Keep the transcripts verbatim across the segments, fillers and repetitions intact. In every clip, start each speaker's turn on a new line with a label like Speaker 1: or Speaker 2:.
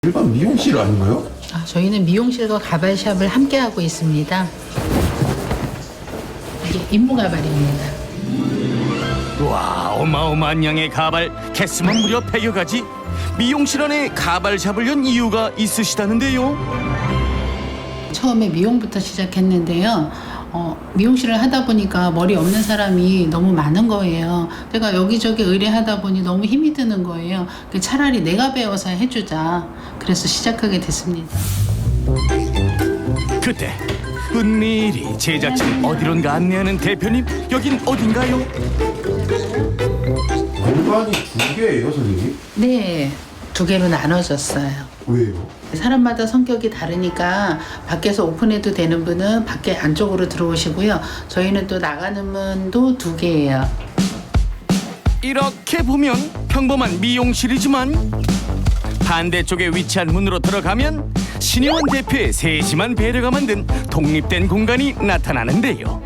Speaker 1: 일반 미용실 아닌가요?
Speaker 2: 아, 저희는 미용실과 가발샵을 함께 하고 있습니다. 이게 임무 가발입니다.
Speaker 3: 와, 어마어마한 양의 가발, 개수만 무려 백여 가지. 미용실 안에 가발샵을 연 이유가 있으시다는데요.
Speaker 2: 처음에 미용부터 시작했는데요. 어, 미용실을 하다 보니까 머리 없는 사람이 너무 많은 거예요. 제가 여기저기 의뢰하다 보니 너무 힘이 드는 거예요. 차라리 내가 배워서 해주자. 그래서 시작하게 됐습니다.
Speaker 3: 그때 은밀히 제자처럼 어디론가 안내하는 대표님, 여긴 어딘가요?
Speaker 1: 공간이 두 개예요, 선생님?
Speaker 2: 네, 두 개로 나눠졌어요.
Speaker 1: 왜요?
Speaker 2: 사람마다 성격이 다르니까 밖에서 오픈해도 되는 분은 밖에 안쪽으로 들어오시고요. 저희는 또 나가는 문도 두 개예요.
Speaker 3: 이렇게 보면 평범한 미용실이지만 반대쪽에 위치한 문으로 들어가면 신혜원 대표의 세심한 배려가 만든 독립된 공간이 나타나는데요.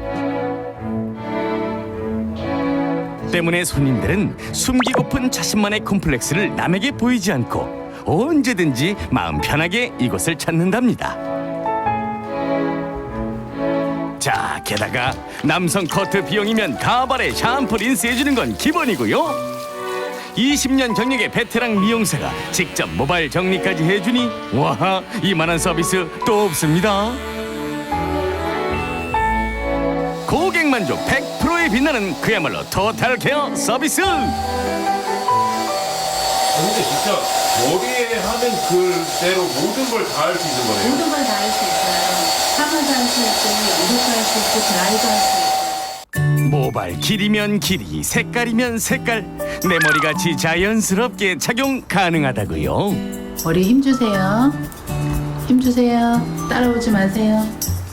Speaker 3: 때문에 손님들은 숨기고픈 자신만의 콤플렉스를 남에게 보이지 않고 언제든지 마음 편하게 이곳을 찾는답니다. 자, 게다가 남성 커트 비용이면 가발에 샴푸 린스 해주는 건 기본이고요. 이십 년 경력의 베테랑 미용사가 직접 모발 정리까지 해주니 와, 이만한 서비스 또 없습니다. 고객 만족 백 퍼센트에 빛나는 그야말로 토탈 케어 서비스.
Speaker 1: 근데 진짜 머리에 하는 그대로 모든 걸 다 할 수 있는 거네요.
Speaker 2: 모든 걸 다 할 수 있어요. 파마도 할 수 있고, 이것도 할 수 있고, 드라이도 할 수 있고.
Speaker 3: 모발 길이면 길이, 색깔이면 색깔, 내 머리같이 자연스럽게 착용 가능하다고요.
Speaker 2: 머리에 힘 주세요. 힘 주세요. 따라오지 마세요.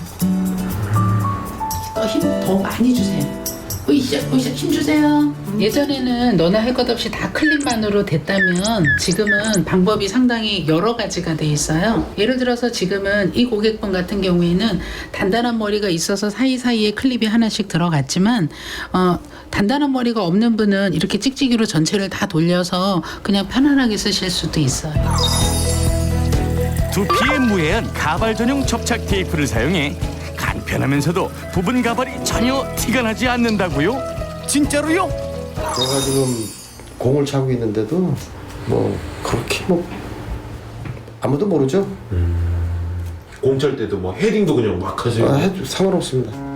Speaker 2: 더 힘 더 많이 주세요. 으쌰, 으쌰, 힘 주세요. 예전에는 너나 할 것 없이 다 클립만으로 됐다면 지금은 방법이 상당히 여러 가지가 돼 있어요. 예를 들어서 지금은 이 고객분 같은 경우에는 단단한 머리가 있어서 사이사이에 클립이 하나씩 들어갔지만 어, 단단한 머리가 없는 분은 이렇게 찍찍이로 전체를 다 돌려서 그냥 편안하게 쓰실 수도 있어요.
Speaker 3: 두피에 무해한 가발 전용 접착 테이프를 사용해 간편하면서도 부분 가발이 전혀 티가 나지 않는다고요? 진짜로요?
Speaker 4: 제가 지금 공을 차고 있는데도 뭐 그렇게 뭐 아무도 모르죠.
Speaker 1: 공찰 때도 뭐 헤딩도 그냥 막 하세요.
Speaker 4: 아, 해도 상관없습니다.